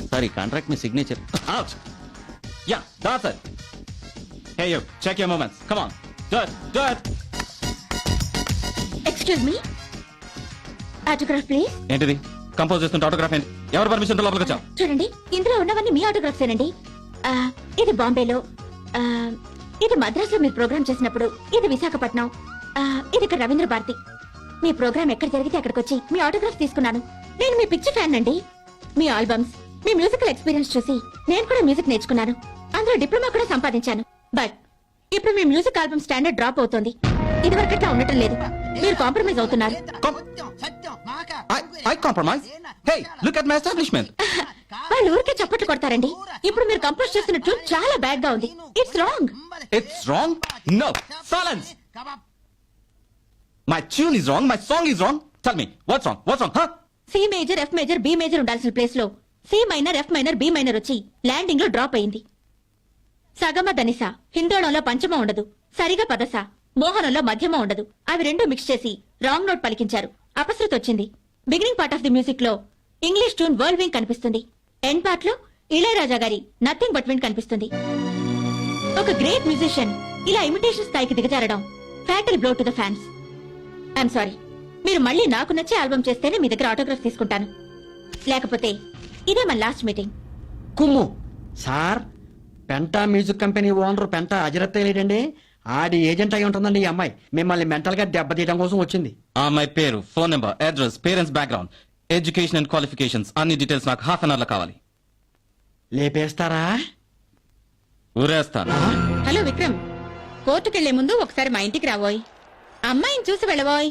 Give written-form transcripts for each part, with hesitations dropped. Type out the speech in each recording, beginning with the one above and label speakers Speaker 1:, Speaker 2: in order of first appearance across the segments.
Speaker 1: Sorry contract మీ signature out ya that's it hey you check your moments come on do it
Speaker 2: excuse me autograph please.
Speaker 1: ఏంటిది compose చేస్తుంటే autograph ఏంటి? ఎవరు permission లోపలికి వచ్చావు?
Speaker 2: చూడండి ఇందులో ఉన్నవన్నీ మీ ఆటోగ్రాఫ్స్ ఏనండి. ఇది బాంబేలో, ఇది మద్రాసులో మీరు ప్రోగ్రామ్ చేసినప్పుడు, ఇది విశాఖపట్నం, ఇది ఇక్కడ రవీంద్ర భారతి. మీ ప్రోగ్రామ్ ఎక్కడ జరిగితే అక్కడికి వచ్చి మీ ఆటోగ్రాఫ్ తీసుకున్నాను. నేను మీ పిక్చర్ ఫ్యాన్ అండి. మీ ఆల్బమ్స్, మీ మ్యూజికల్ ఎక్స్పీరియన్స్ చూసి నేను కూడా మ్యూజిక్ నేర్చుకున్నాను. అందులో డిప్లొమా కూడా సంపాదించాను. బట్ ఇప్పుడు మీ మ్యూజిక్ ఆల్బమ్ స్టాండర్డ్ డ్రాప్ అవుతోంది. ఇది వరకట్లా ఉండటం లేదు. మీరు కాంప్రమైజ్ అవుతున్నారు.
Speaker 1: I compromise. Hey, look at my establishment.
Speaker 2: వాళ్ళు ఊరికే చప్పట్లు కొడతారండి. ఇప్పుడు మీరు కంపోజ్ చేస్తున్న ట్యూన్ చాలా బ్యాడ్ గా ఉంది. It's wrong.
Speaker 1: It's wrong? No. Silence. My tune is wrong. My song is wrong. Tell me, what's wrong? What's wrong, huh?
Speaker 2: C major, F major, B major ఉండాల్సిన ప్లేస్ లో C minor, F minor, B minor వచ్చి landing లో drop అయింది. సగమ ధనిస, హిందోళంలో పంచమ ఉండదు. సరిగా పదస, మోహనంలో మధ్యమ ఉండదు. అవి రెండు మిక్స్ చేసి రాంగ్ నోట్ పలికించారు. అపశృతి వచ్చింది. Beginning part of the music లో ఇంగ్లీష్ ట్యూన్ వరల్డ్ వింగ్ కనిపిస్తుంది. ఎండ్ పార్ట్ లో ఇళయరాజా గారి నథింగ్ బట్ విండ్ కనిపిస్తుంది. ఒక గ్రేట్ మ్యూజిషియన్ ఇలా ఇమిటేషన్ స్థాయికి దిగజారడం fatal blow to the fans. I'm sorry. మీరు మళ్ళీ నాకు నచ్చే ఆల్బమ్ చేస్తేనే మీ దగ్గర ఆటోగ్రాఫ్ తీసుకుంటాను. లేకపోతే ఇదే మన లాస్ట్ మీటింగ్.
Speaker 3: కుమ్ము sir, Penta music company owner Penta అజరత్ లేడండి. ఆడి ఏజెంట్ అయి ఉంటుందండి ఈ అమ్మాయి. మిమ్మల్ని మెంటల్ గా దెబ్బతీయడం కోసం వచ్చింది.
Speaker 1: మై పేరు, phone number, address, parents background, education and qualifications అన్ని డీటెయిల్స్ నాకు హాఫ్ అన్ అవర్ లో కావాలి.
Speaker 3: లేపేస్తారా?
Speaker 1: ఊరేస్తాను.
Speaker 2: హలో విక్రమ్, కోర్టుకెళ్లే ముందు ఒకసారి మా ఇంటికి రావోయ్. అమ్మాయిని చూసి వెళ్ళబోయ్.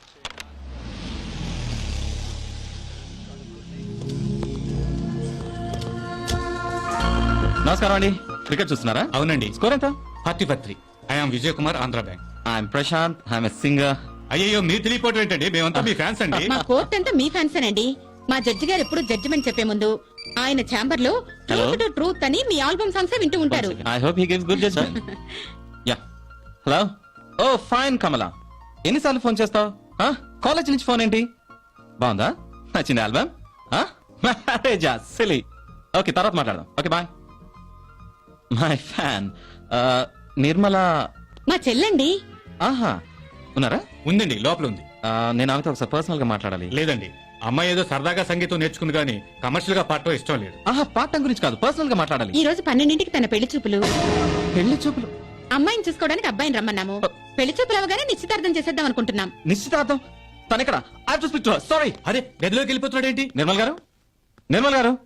Speaker 1: నమస్కారం అండి. క్రికెట్ చూస్తున్నారా?
Speaker 4: అవునండి.
Speaker 1: స్కోర్ ఎంత?
Speaker 4: 40-3. I'm Vijay Kumar, Andhra bank.
Speaker 1: I'm Prashanth, I'm singer.
Speaker 4: అయ్యో, మీరు తెలియపోవటం ఏంటండి? మేమంతా మీ ఫ్యాన్స్ అండి.
Speaker 2: మా కోర్టు అంతా మీ ఫ్యాన్స్ అండి. మా జడ్జి గారు ఎప్పుడు జడ్జిమెంట్ చెప్పే ముందు ఆయన ఛాంబర్ లో ట్రూత్ అని మీ ఆల్బమ్ సాంగ్స్ వింటూ ఉంటారు.
Speaker 1: I hope he gives good judgement. Ya. Hello. Oh fine Kamala. ఎన్నిసార్లు ఫోన్ చేస్తావు? కాలేజ్ నుంచి ఫోన్ ఏంటి? బాగుందా? నచ్చింది ఆల్బమ్? మ్యారేజా? సిలీ. ఓకే, తర్వాత మాట్లాడదాం. Okay bye. My fan Nirmala.
Speaker 2: మా చెల్లండి.
Speaker 1: ఆహా, ఉన్నారా?
Speaker 4: ఉందండి, లోపల ఉంది.
Speaker 1: నేను ఆమెతో ఒకసారి పర్సనల్ గా మాట్లాడాలి.
Speaker 4: లేదండి, అమ్మాయి ఏదో సరదాగా సంగీతం నేర్చుకుంది కానీ కమర్షియల్ గా పాడటం ఇష్టం లేదు.
Speaker 1: ఆహా, పాఠం గురించి కాదు, పర్సనల్ గా మాట్లాడాలి.
Speaker 2: ఈ రోజు 12ంటికి తన పెళ్లి చూపులు.
Speaker 1: పెళ్లి చూపులు?
Speaker 2: అమ్మాయిని చూసుకోవడానికి అబ్బాయిని రమ్మన్నాము. పెళ్లి చూపులు అవగానే నిశ్చితార్థం చేసేద్దాం అనుకుంటున్నాం.
Speaker 1: నిశ్చితార్థం? తనెక్కడ? I have to speak to her. Sorry.
Speaker 4: అరే, గదిలోకి వెళ్ళిపోతున్నాడు ఏంటి?
Speaker 1: నిర్మల్ గారు, నిర్మల్ గారు.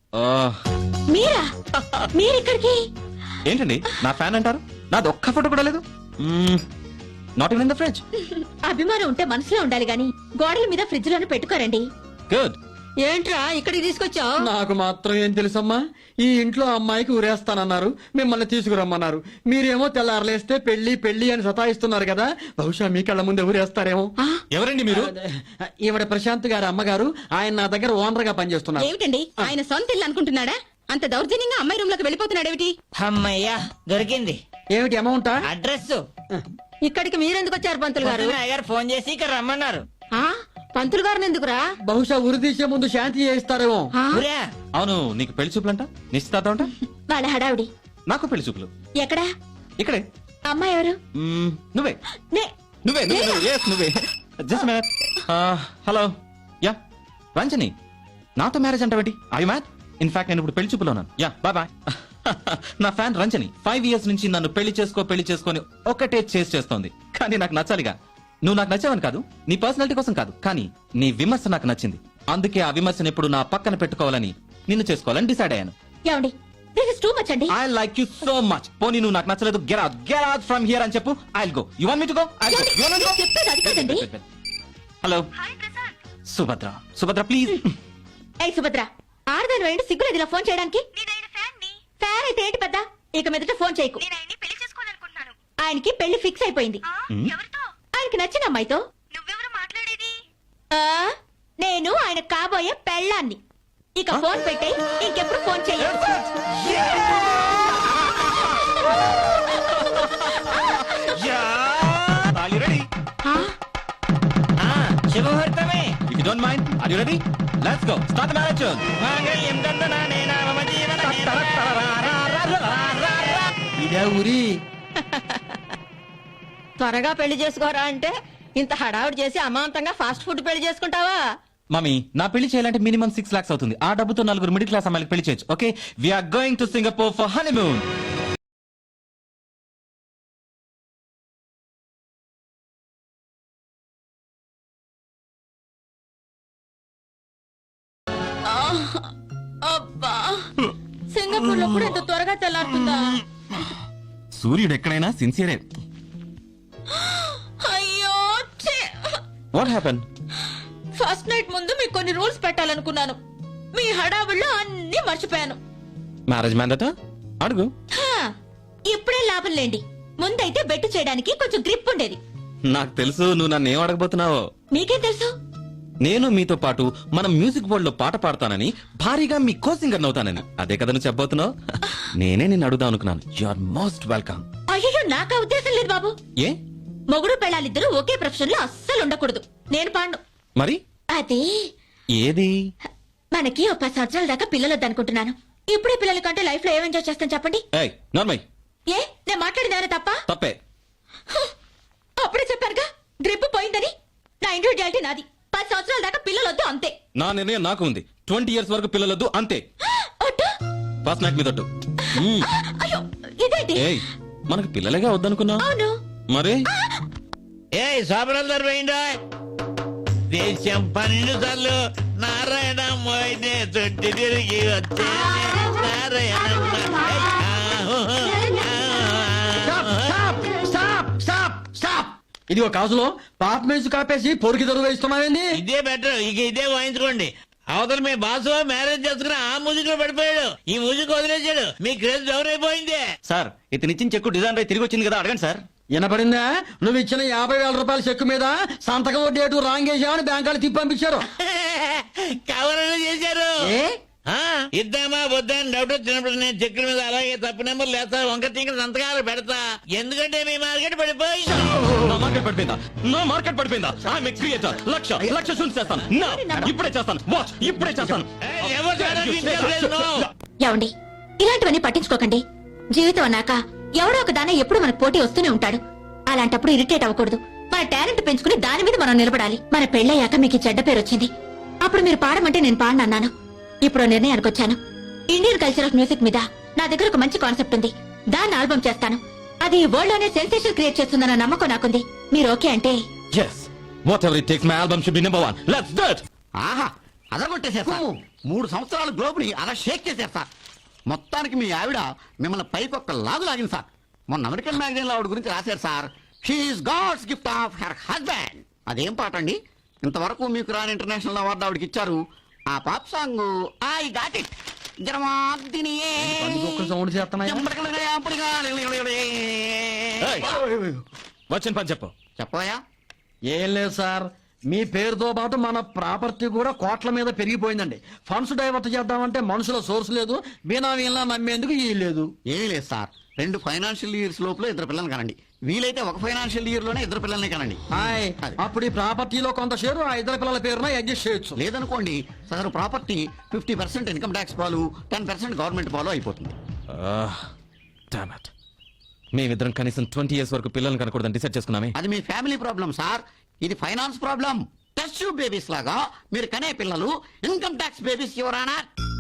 Speaker 2: మీరా? మీరిక్కడికి?
Speaker 1: ఏంటండి నా ఫ్యాన్ అంటారు? నాది ఒక్క ఫోటో కూడా లేదు. Not even in the fridge.
Speaker 2: అభిమానం ఉంటే మనసులో ఉండాలి గాని గోడల మీద ఫ్రిడ్జ్ లోనే పెట్టుకోరండి.
Speaker 1: గుడ్.
Speaker 2: ఏంట్రా ఇక్కడికి తీసుకొచ్చావు?
Speaker 3: నాకు మాత్రం ఏం తెలుసమ్మా. ఈ ఇంట్లో అమ్మాయికి ఊరేస్తానన్నారు, మిమ్మల్ని తీసుకురమ్మన్నారు. మీరేమో తెల్లారలేస్తే పెళ్లి పెళ్లి అని సతాయిస్తున్నారు కదా. బహుశా మీ కళ్ళ ముందే ఊరేస్తారేమో.
Speaker 4: ఎవరండి మీరు?
Speaker 3: ఈవిడ ప్రశాంత్ గారి అమ్మగారు. ఆయన నా దగ్గర ఓనర్ గా పనిచేస్తున్నారు.
Speaker 2: ఏమిటండి ఆయన సొంత ఇల్లు అనుకుంటున్నాడా? అంత దౌర్జన్యంగా అమ్మాయి రూమ్ లోకి వెళ్ళిపోతున్నాడేమిటి?
Speaker 5: అమ్మయ్యా, దొరికింది.
Speaker 3: ఏమిటి అమౌంటా?
Speaker 5: అడ్రస్.
Speaker 2: ఇక్కడికి మీరెందుకు వచ్చారు పంతులు గారు?
Speaker 5: గారు ఫోన్ చేసి ఇక్కడ రమ్మన్నారు.
Speaker 2: పంతులు గారిని ఎందుకురా?
Speaker 3: బహుశా ఉరి తీసే ముందు శాంతి చేయిస్తారేమో.
Speaker 5: ఊరా.
Speaker 1: అవును, నీకు పెళ్లి చూపులంట, నిశ్చితార్థం అంట.
Speaker 2: వాళ్ళ హడావుడి.
Speaker 1: నాకు పెళ్లి చూపులు.
Speaker 2: ఎక్కడా?
Speaker 1: ఇక్కడే.
Speaker 2: అమ్మాయి ఎవరు?
Speaker 1: నువ్వే
Speaker 2: నే-
Speaker 1: నువ్వే నువ్వే yes, నువ్వే. Just minute. Hello. Ya, Ranjani. నాతో మ్యారేజ్ అంటావేంటి? I you mad? ఇన్ఫాక్ట్ నేను ఇప్పుడు పెళ్లి చూపులో ఉన్నాను. Ya, bye bye. నా ఫ్యాన్ రంజని 5 years నుంచి నన్ను పెళ్లి చేసుకొని ఒకటే చేస్తోంది. కానీ నాకు నచ్చాలిగా. నువ్వు నాకు నచ్చావని కాదు, నీ పర్సనాలిటీ కోసం కాదు, కానీ నీ విమర్శ నాకు నచ్చింది. అందుకే ఆ విమర్శను ఎప్పుడు నా పక్కన పెట్టుకోవాలని, నిన్ను చేసుకోవాలని డిసైడ్ అయ్యాను.
Speaker 2: ఏమండి, దిస్ ఇస్ టూ మచ్ అండి.
Speaker 1: I like you so much. పోనీ నువ్వు నాకు నచ్చలేదు, గెట్ అవుట్ ఫ్రమ్ హియర్ అని చెప్పు. I will go. You want me to go? I will go. You want go?
Speaker 2: చెప్పేది అది కాదండి.
Speaker 1: Hello Subhadra please.
Speaker 2: ఏ సుభద్ర, ఆడదాని వేయండి, సిగ్గులేదు ఇలా ఫోన్ చేయడానికి. ఫ్యాన్ అయితే ఏంటి పెద్ద? ఇక మీదట ఫోన్ చేయకు. ఆయనకి పెళ్లి ఫిక్స్ అయిపోయింది. ఆయనకి నచ్చిన అమ్మాయితో. నేను ఆయన కాబోయే పెళ్ళాన్ని. ఇక ఫోన్ పెట్టే, ఇంకెప్పుడు ఫోన్ చేయను.
Speaker 5: శుభముహూర్తమే.
Speaker 1: If you don't mind, are you ready? Let's go. Start the marriage.
Speaker 5: మాంగళ్యం దందనానేన
Speaker 3: ఉరి
Speaker 6: త్వరగా పెళ్లి చేసుకోరా అంటే ఇంత హడావుడి చేసి అమాంతంగా ఫాస్ట్ ఫుడ్ పెళ్లి చేసుకుంటావా?
Speaker 1: మమ్మీ నా పెళ్లి చేయాలంటే మినిమం 6 lakhs అవుతుంది. ఆ డబ్బుతో 4 మిడిల్ క్లాస్ అమ్మాయిలకు పెళ్లి చేయొచ్చు. Okay, we're going to Singapore for honeymoon.
Speaker 2: అబ్బా, సింగపూర్ లో కూడా ఇంత త్వరగా తెల్లారుతుందా?
Speaker 1: సూర్యుడు ఎక్కడైనా సిన్సియరే.
Speaker 2: అయ్యో ఛే!
Speaker 1: What happen?
Speaker 2: ఫస్ట్ నైట్ ముందు మీకు కొన్ని రూల్స్ పెట్టాలనుకున్నాను. మీ హడావుల్లో అన్ని మర్చిపోయాను.
Speaker 1: మ్యారేజ్ మ్యాన్ దట అడుగు.
Speaker 2: హా, ఇప్పుడే లాభం లేండి. ముందైతే బెట్టు చేయడానికి కొంచెం గ్రిప్ ఉండేది.
Speaker 1: నాకు తెలుసు నువ్వు నన్ను ఏం అడగబోతున్నావో.
Speaker 2: మీకేం తెలుసు?
Speaker 1: నేను మీతో పాటు మనం మ్యూజిక్ వరల్డ్ లో పాట పాడతానని, భారీగా మీ కో సింగర్ అవుతానని. అదే కదా నువ్వు చెప్పబోతున్నావు. నేనే నిన్ను అడుగుదాం అనుకున్నాను. You are most welcome.
Speaker 2: అయ్యో, నాకు ఆ ఉద్దేశం లేదు బాబు.
Speaker 1: ఏ
Speaker 2: మొగుడు పెళ్ళాలిద్దరూ ఒకే ప్రొఫెషన్ లో అస్సలు ఉండకూడదు. నేను పాండు.
Speaker 1: మరి
Speaker 2: అదే
Speaker 1: ఏది?
Speaker 2: మనకి ఒక 10 సంవత్సరాల దాకా పిల్లలు వద్దనుకుంటున్నాను. ఇప్పుడే పిల్లల కంటే లైఫ్ లో ఏం ఎంజాయ్ చేస్తాను చెప్పండి.
Speaker 1: ఏయ్ నార్మల్.
Speaker 2: ఏ, నేను మాట్లాడిందానే తప్ప?
Speaker 1: తప్పే.
Speaker 2: అప్పుడే చెప్పారుగా గ్రిప్ పోయిందని. నా ఇండివిజువాలిటీ నాది. 10 సంవత్సరాల దాకా పిల్లలు వద్దు అంతే.
Speaker 1: నా నిర్ణయం నాకు ఉంది. 20 years వరకు పిల్లలొద్దు అంతే.
Speaker 2: ఒట్టు.
Speaker 1: ఫస్ట్ నైట్ మీద ఒట్టు.
Speaker 2: అయ్యో, ఇదేంటి?
Speaker 1: ఏయ్ మనకు పిల్లలేగా వద్దనుకున్నా.
Speaker 2: అవును.
Speaker 1: మరి
Speaker 5: ఏ సాబరాలు పోయిందా? దేశం 12 సార్లు నారాయణ మోయినే చుట్టి తిరిగి వచ్చే నారాయణ.
Speaker 3: ఇది ఒక కాజులో పాప మేసు కాపేసి పొరికి దొరుకు వేస్తున్నావేంది?
Speaker 5: ఇదే బెటర్, ఇక ఇదే వాయించుకోండి. అవతల మీ బాసు మ్యారేజ్ చేసుకుని ఆ మ్యూజిక్ లో పడిపోయాడు, ఈ మ్యూజిక్ వదిలేశాడు. మీ క్రేజ్ డౌన్ అయిపోయింది.
Speaker 1: సార్ ఇతనిచ్చిన చెక్కు డిజైన్ రై తిరిగి వచ్చింది కదా, అడగండి సార్.
Speaker 3: వినపడిందా? నువ్వు ఇచ్చిన 50,000 రూపాయల చెక్కు మీద సంతకం వడ్డీ అటు రాంగ్ వేసామని బ్యాంకాలు తిప్పి పంపించారు.
Speaker 5: కవరలు చేశారు.
Speaker 3: ఏ?
Speaker 5: ఆ, ఇద్దామా వద్దా అని డౌట్ వచ్చినప్పుడు నేను చెక్కుల మీద అలాగే తప్పు నెంబర్ లేస్తా, వంక తింక సంతకాలు పెడతా. ఎందుకంటే మీ మార్కెట్ పడిపోయింది.
Speaker 1: నా మార్కెట్ పడిపోయిందా? నా మార్కెట్ పడిపోయిందా? I'm a creator. లక్ష షూట్ చేస్తాను. నా ఇప్పుడే చేస్తాను. వాచ్ ఇప్పుడే చేస్తాను.
Speaker 5: ఏయ్, ఎవరు చేయడానికి ఇంట్రెస్ట్ లేదు, no.
Speaker 2: ఏమండి, ఇలాంటివన్నీ పట్టించుకోకండి. జీవితం అన్నాక ఎవడో ఒక దాన ఎప్పుడు మనకు పోటీ వస్తూనే ఉంటాడు. అలాంటప్పుడు ఇరిటేట్ అవ్వకూడదు. మన టాలెంట్ పెంచుకుని దాని మీద మనం నిలబడాలి. మన పెళ్ళయ్యాక మీకు ఈ చెడ్డ పేరు వచ్చింది. అప్పుడు మీరు పాడమంటే నేను పాడనన్నాను. ఇప్పుడు నిర్ణయానికి వచ్చాను. ఇండియన్ కల్చర్ ఆఫ్ మ్యూజిక్ మీద నా దగ్గర ఒక మంచి కాన్సెప్ట్ ఉంది. దాన్ని ఆల్బమ్ చేస్తాను. అది వరల్డ్ లోనే సెన్సేషన్ క్రియేట్ చేస్తుందన్న నమ్మకం నాకుంది. మీరు ఓకే అంటే?
Speaker 1: yes whatever it takes, my album should be number 1. let's do it.
Speaker 7: ఆహా అదగొట్టేశారు సార్. 3 సంవత్సరాల గ్లోబ్ని అలా షేక్ చేశారు సార్. మొత్తానికి మీ ఆవిడ మిమ్మల్ని పైకి ఒక్క లాగు లాగింది సార్. మొన్న అమెరికన్ మ్యాగజైన్ లో ఆవిడ గురించి రాశారు sir. She's God's gift of her husband. అదేం పాట అండి? ఇంతవరకు మీకు రాని ఇంటర్నేషనల్ అవార్డు ఆవిడకి ఇచ్చారు. ఆ pop song I got it.
Speaker 3: Sound చేస్తున్నాయి.
Speaker 1: వచ్చిన పని చెప్పు.
Speaker 7: చెప్పయా.
Speaker 3: ఏం లేదు సార్, మీ పేరుతో పాటు మన ప్రాపర్టీ కూడా కోట్ల మీద పెరిగిపోయిందండి. ఫండ్స్ డైవర్ట్ చేద్దామంటే మనుషుల సోర్స్ లేదు, బినామీలా నమ్మేందుకు ఈ లేదు.
Speaker 7: ఏం లేదు సార్, 2 ఫైనాన్షియల్ ఇయర్స్ లోపల 2 పిల్లల్ని కనండి. వీలైతే 1 ఫైనాన్షియల్ ఇయర్ లోనే 2 పిల్లల్ని కనండి.
Speaker 3: హాయ్,
Speaker 7: అది.
Speaker 3: అప్పుడు ఈ ప్రాపర్టీలో కొంత షేరు ఆ 2 పిల్లల పేరున అడ్జస్ట్ చేయొచ్చు.
Speaker 7: లేదనుకోండి సార్, ప్రాపర్టీ 50% ఇన్కమ్ ట్యాక్స్ పాలు, 10% గవర్నమెంట్ పాలు అయిపోతుంది.
Speaker 1: damn it. మేమిద్దరం కనీసం 20 years వరకు పిల్లల్ని కనకూడదని డిసైడ్ చేసుకున్నామే.
Speaker 7: అది మీ ఫ్యామిలీ ప్రాబ్లం సార్, ఇది finance problem. Test tube babies లాగా మీరు కనే పిల్లలు ఇన్కమ్ ట్యాక్స్ బేబీస్ ఎవరానా?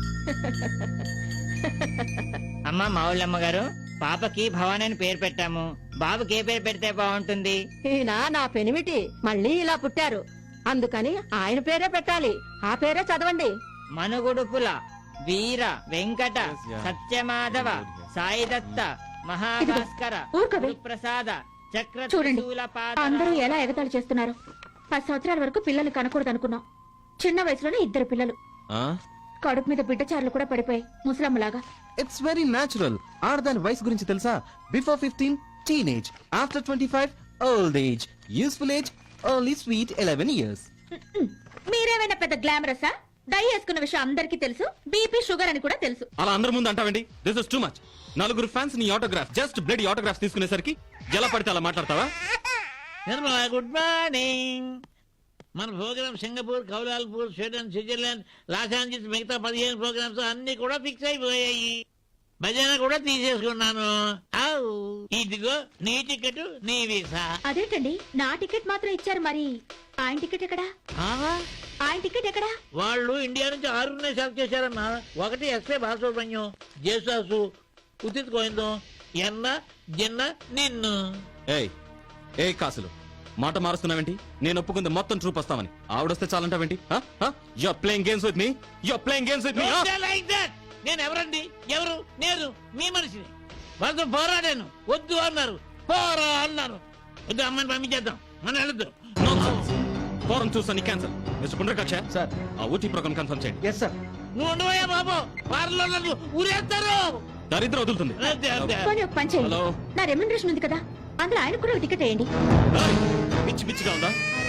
Speaker 5: అమ్మ మావుళ్ళమ్మ గారు, పాపకి భవాని అని పేరు పెట్టాము. బాబుకి ఏ పేరు పెడితే బాగుంటుంది?
Speaker 6: ఈయన నా పెనిమిటి మళ్ళీ ఇలా పుట్టారు, అందుకని ఆయన పేరే పెట్టాలి. ఆ పేరే చదవండి.
Speaker 5: మనుగుడుపుల వీర వెంకట సత్యమాధవ సాయిదత్త మహాభాస్కర
Speaker 2: ఊరుకోవే.
Speaker 5: ప్రసాద చక్ర
Speaker 2: చూడండి,
Speaker 5: త్రిశూల పాద
Speaker 2: అందరూ ఎలా ఎగతాళి చేస్తున్నారు. 10 సంవత్సరాల వరకు పిల్లల్ని కనకూడదు అనుకున్నాం. చిన్న వయసులోనే 2 పిల్లలు. కడుపు మీద బిడ్డచారులు కూడా పడిపోయి ముసలమ్మలాగా.
Speaker 1: It's very natural. ఆడదాని వయసు గురించి తెలుసా? Before 15 teenage, after 25 old age, useful age only sweet 11 years.
Speaker 2: మీరేమైనా పెద్ద గ్లామరసా? డై వేసుకున్న విషయం అందరికీ తెలుసు. బీపీ షుగర్ అని కూడా తెలుసు.
Speaker 1: అలా అందరి ముందు అంటావండి? This is too much. 4 fans నీ ఆటోగ్రాఫ్, జస్ట్ బ్లడ్ ఆటోగ్రాఫ్ తీసుకునేసరికి ఎలా పడితే అలా మాట్లాడతావా?
Speaker 5: Nirmala, good morning. మన programme Singapore, Kuala Lumpur, Sweden, Switzerland, Los Angeles, మిగతా 15 ప్రోగ్రామ్స్ అన్ని కూడా ఫిక్స్ అయిపోయాయి. భజన కూడా తీసేసుకున్నాను ఆవ్. ఇదిగో నీ టికెట్ నీ వీసా.
Speaker 2: అదేంటండి నా టికెట్ మాత్రం ఇచ్చారు మరి ఆయన టికెట్ ఎక్కడా
Speaker 5: ఆహా,
Speaker 2: ఆయన టికెట్ ఎక్కడా
Speaker 5: వాళ్ళు ఇండియా నుంచి 6 సెలెక్ట్ చేశారమ్మా. ఒకటి ఎస్పే బాలసుబ్రహ్మణ్యం, జేసాసు, ఉదిత్ గోవిందం, ఎన్న జిన్న నిన్ను.
Speaker 1: ఏయ్ ఏ కాసులు మాట మారుస్తున్నావేంటి? నేను ఒప్పుకుంది మొత్తం ట్రూప్ వస్తామని. ఆవిడొస్తే చాలంటావేంటి? You're playing games with me, you're playing games with me.
Speaker 5: Don't say like that. నేను ఎవరండి? ఎవరు? నేను మీ మనిషిని. వాళ్ళతో పోరాడాను, వద్దు అన్నారు, పోరా అన్నారు. వద్దు, అమ్మాయిని పంపించేద్దాం, మనం వెళ్ళొద్దు.
Speaker 1: ఫోరం చూస్తాను క్యాన్సల్. మిస్టర్ పుండ్రకాక్ష సార్, ఆ ఊటీ ప్రోగ్రామ్ కన్ఫర్మ్ చేయండి. Yes sir.
Speaker 5: నువ్వు ఉండవయ్యా బాబు, వారిలో నన్ను ఊరేస్తారు.
Speaker 1: దరిద్రం వదులుతుంది.
Speaker 5: అంతే, అంతే.
Speaker 2: పోనీ ఒక పని చేయండి
Speaker 1: హలో.
Speaker 2: నా రెమ్యునరేషన్ ఉంది కదా అందులో ఆయన కూడా ఒక టికెట్ వేయండి
Speaker 1: ఏయ్, పిచ్చి పిచ్చిగా ఉందా?